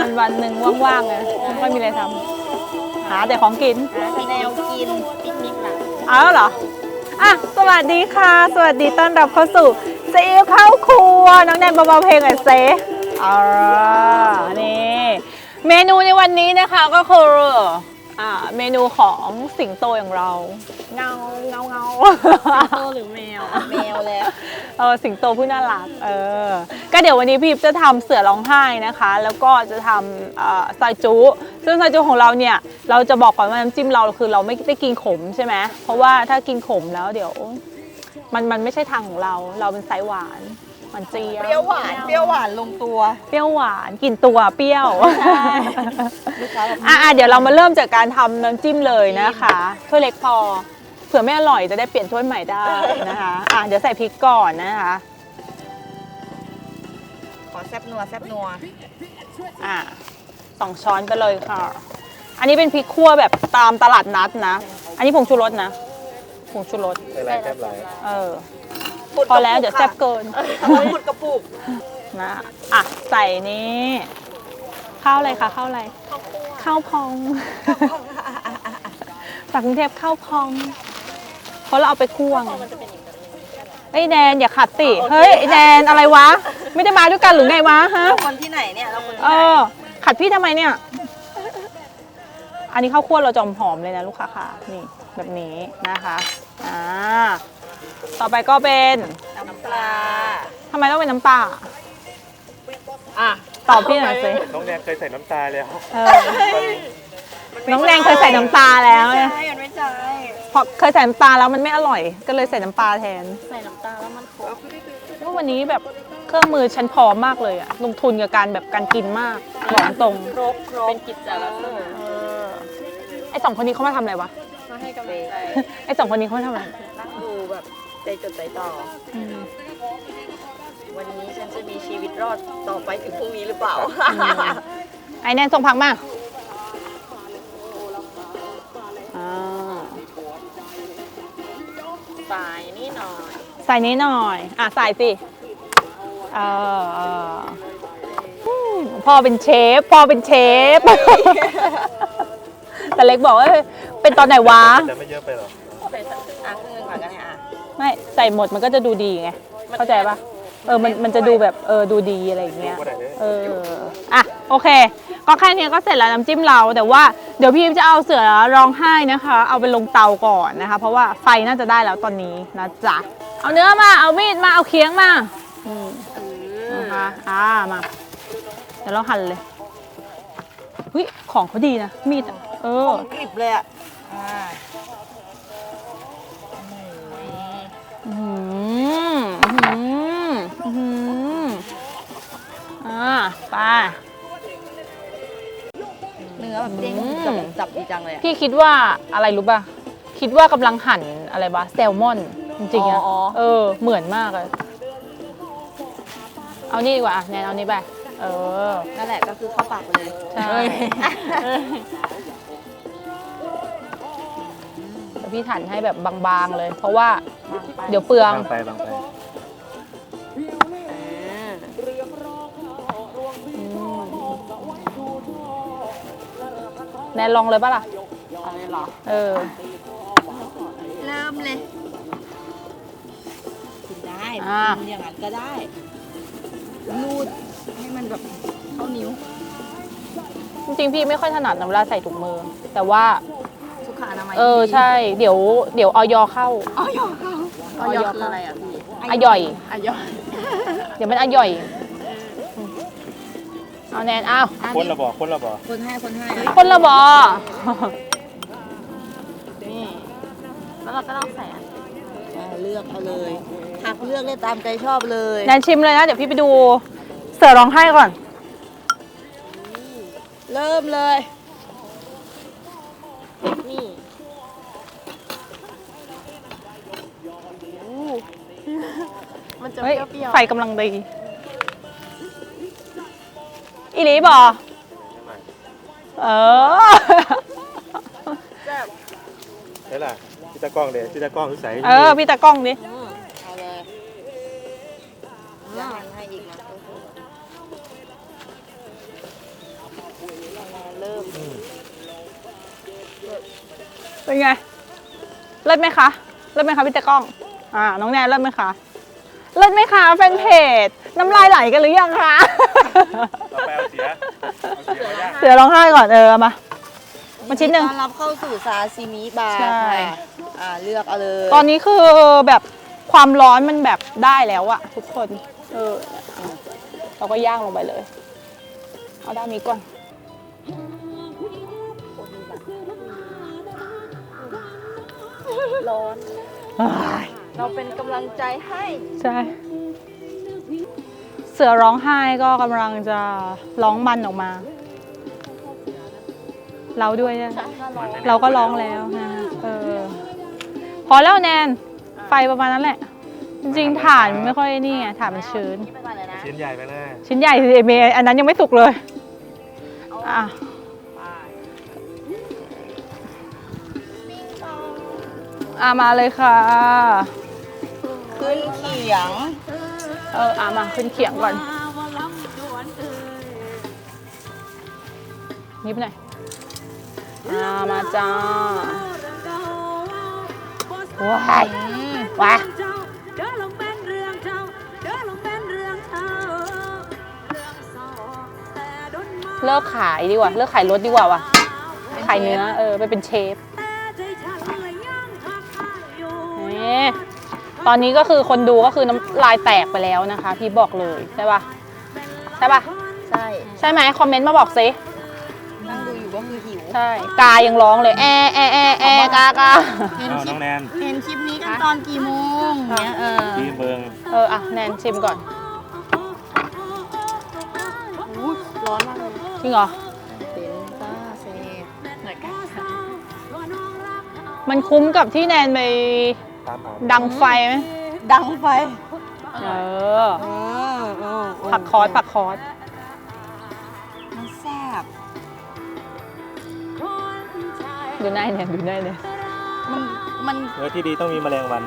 วันหนึ่งว่างๆเลยไม่ค่อยมีอะไรทำหาแต่ของกินแนวกินปิกนิกล่ะเอาเหรออ่ะสวัสดีค่ะสวัสดีต้อนรับเข้าสู่ซีอิ๊วเข้าครัวน้องแนนเบาๆเพลงหน่อยเซนี่เมนูในวันนี้นะคะก็คือเมนูของสิงโตอย่างเราเงาสิงโตหรือแมวแมวแล้วสิงโตผู้น่ารักก็เดี๋ยววันนี้พี่จะทำเสือร้องไห้นะคะแล้วก็จะทำซอยจุซึ่งซอยจุของเราเนี่ยเราจะบอกก่อนว่าน้ำจิ้มเราคือเราไม่ได้กินขมใช่ไหมเพราะว่าถ้ากินขมแล้วเดี๋ยวมันไม่ใช่ทางของเราเป็นไซส์หวานเจี๊ยบเปรี้ยวหวานลงตัวเปรี้ยวหวานกลิ่นตัวเปรี้ยวเดี๋ยวเรามาเริ่มจากการทำน้ำจิ้มเลยนะคะถ้วยเล็กพอเผื่อไม่อร่อยจะได้เปลี่ยนถ้วยใหม่ได้นะคะเดี๋ยวใส่พริกก่อนนะคะขอแซ่บนัว 2 ช้อนไปเลยค่ะอันนี้เป็นพริกคั่วแบบตามตลาดนัดนะอันนี้ผงชูรสนะผงชูรสใส่ไรแซ่บไรพอแล้วเดี๋ยวแซ่บเกินหมดกระปุกนะใส่นี้ข้าวอะไรคะข้าวอะไรข้าวพองจากกรุงเทพข้าวพองเพราะเราเอาไปคั่วไอ้แดนอย่าขัดติเฮ้ยไอ้แดนอะไรวะไม่ได้มาด้วยกันหรือไงวะฮะเราคนที่ไหนเนี่ยเราคนที่ไหนขัดพี่ทำไมเนี่ยอันนี้ข้าวคั่วเราจอมหอมเลยนะลูกค้าค่ะนี่แบบนี้นะคะต่อไปก็เป็นน้ำปลาทำไมต้องเป็นน้ำปลาตอบพี่หน่อยสิน้องแนนเคยใส่น้ำตาแล้วน้องแดงเคยใส่น้ำตาแล้วไม่ใช่พอเคยใส่น้ำตาแล้วมันไม่อร่อยก็เลยใส่น้ำปลาแทนใส่น้ำตาแล้วมันขมว่าวันนี้แบบเครื่องมือฉันพร้อมมากเลยลงทุนกับการกินมากบอกตรงครบเป็นกิจจลักษณะไอ้2 คนนี้เขามาทำอะไรวะมาให้กำลังใจไอ้2 คนนี้เขามาทำอะไรนั่งดูแบบใจจดใจจ่อวันนี้ฉันจะมีชีวิตรอดต่อไปถึงพรุ่งนี้หรือเปล่าไอ้แนนส่งผักมาใส่นี่หน่อยใส่สิพ่อเป็นเชฟแต่เล็กบอกว่าเป็นตอนไหนวะจะไม่เยอะไปหรอครึ่งก่อนกันเนี่ยไม่ใส่หมดมันก็จะดูดีไงเข้าใจปะมันจะดูแบบดูดีอะไรอย่างเงี้ยโอเคก็แค่นี้ก็เสร็จแล้วน้ำจิ้มเราแต่ว่าเดี๋ยวพี่จะเอาเสือร้องไห้นะคะเอาไปลงเตาก่อนนะคะเพราะว่าไฟน่าจะได้แล้วตอนนี้นะจ๊ะเอาเนื้อมาเอามีดมาเอาเคียงมานะคะมาเดี๋ยวเราหั่นเลยของเขาดีนะมีดกริบเลยไปเนื้อแบบเด้งจับดีจังเลยพี่คิดว่าอะไรรู้ป่ะคิดว่ากำลังหั่นอะไรวะแซลมอนจริงๆเหมือนมากเลยเอานี่ดีกว่าแนนเอานี่ไปนั่นแหละก็คือเข้าปากเลยใช่แต่พี่หั่นให้แบบบางๆเลยเพราะว่าเดี๋ยวเปลืองบางไปแนนลองเลยป่ะล่ะอะไรหรอเริ่มเลยกินได้กินอย่างนั้นก็ได้รูดให้มันแบบเข้านิ้วจริงๆพี่ไม่ค่อยถนัดเวลาใส่ถุงมือแต่ว่าสุขอนามัยใช่เดี๋ยวออยเข้าออยคืออะไรอ่ะพี่อย่อยเดี๋ยวมันอย่อยเอาแนนเอาคนละบ่คนละบนี่แล้วเราก็ต้องใส่เลือกเอาเลยหักเลือกได้ตามใจชอบเลยแนนชิมเลยนะเดี๋ยวพี่ไปดูเสือร้องไห้ก่อนเริ่มเลยนี่มันจะเปรี้ยวไฟกำลังดีอีหลีบอนี่ล่ะพี่ตากล้องเลยพี่ตากล้องใส่พี่ตากล้องดิเอาเลยยังให้อีกนะเป็นไงเลิศไหมคะเลิศไหมคะพี่ตากล้องน้องแนนเลิศไหมคะเลิศไหมคะแฟนเพจน้ำลายไหลกันหรือยังคะต่อไปเอาเสียมาย่างเสือร้องไห้ก่อนมาชิ้นหนึ่งต้อนรับเข้าสู่ซาซิมิบาร์ใช่ค่ะเลือกเอาเลยตอนนี้คือแบบความร้อนมันแบบได้แล้วอะทุกคนเราก็ย่างลงไปเลยเอาด้านนี้ก่อนร้อนอ้ายเราเป็นกำลังใจให้ใช่เสือร้องไห้ก็กำลังจะร้องมันออกมา เราด้วยนะเราก็ร้องแล้วนะพอแล้วแนนไฟประมาณนั้นแหละ จริงๆถ่านไม่ค่อยนี่ไงถ่านมันชื้นนี่ไปก่อนเลยนะชิ้นใหญ่ไปเลยชิ้นใหญ่สิเมย์อันนั้นยังไม่สุกเลยอ่ะมาเลยค่ะขึ้นเขียงมาขึ้นเขียงก่อนนิบหน่อยมาจ้าว้ายว้าเลิกขายดีกว่าเลิกขายรถดีกว่าว่ะขายเนื้อไปเป็นเชฟนี่ตอนนี้ก็คือคนดูก็คือน้ำลายแตกไปแล้วนะคะพี่บอกเลยใช่ปะใช่ปะใช่ใช่ไหมคอมเมนต์มาบอกสินั่งดูอยู่ก็คือหิวใช่กายังร้องเลยกากาเอาน้องแนนเห็นคลิปนี้กันตอนกี่โมงเนี่ยทีเบิงแนนชิมก่อนร้อนมากเลยจริงเหรอเป็นซ่าเซหน่อยกันมันคุ้มกับที่แนนไปตามหาดังไฟไหมดังไฟผักคอสมันแซ่บดูหน้าเนี่ยดูหน้าเนี่ยมันเนื้อที่ดีต้องมีแมลงวัน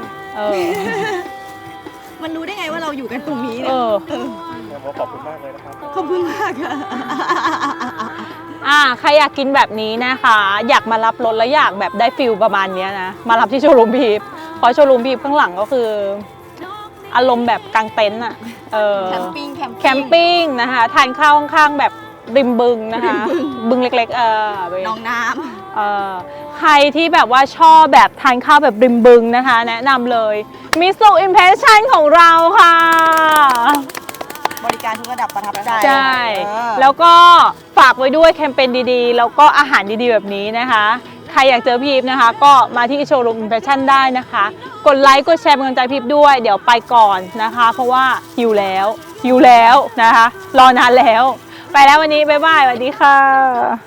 มันรู้ได้ไงว่าเราอยู่กันตรงนี้เอเนี่ยแล้วขอบคุณมากเลยนะครับขอบคุณมากค่ะใครอยากกินแบบนี้นะคะ อยากมารับรถแล้วอยากแบบได้ฟิลประมาณเนี้ยนะ มารับที่โชว์รูมพีฟเพราะโชว์รูมพีฟข้างหลังก็คือ อารมณ์แบบกางเต็นท์อ่ะแคมปิ้งแคมปิ้งนะคะทานข้าวข้างๆแบบริมบึงนะคะ บึงเล็กๆน้องน้ใครที่แบบว่าชอบแบบทานข้าวแบบริมบึงนะคะ แนะนำเลยมิสุอิมเพรสชั่นของเราค่ะำบริการทุกระดับประทับใจใช่ แล้วก็ฝากไว้ด้วยแคมเปญดีๆ แล้วก็อาหารดีๆแบบนี้นะคะ ใครอยากเจอพีฟนะคะ ก็มาที่โชว์รูมอิมเพรสชั่นได้นะคะ กดไลค์กดแชร์เป็นกำลังใจพีฟด้วยเดี๋ยวไปก่อนนะคะ เพราะว่าหิวแล้วนะคะ รอนานแล้ว ไปแล้ววันนี้บ๊ายบายสวัสดีค่ะ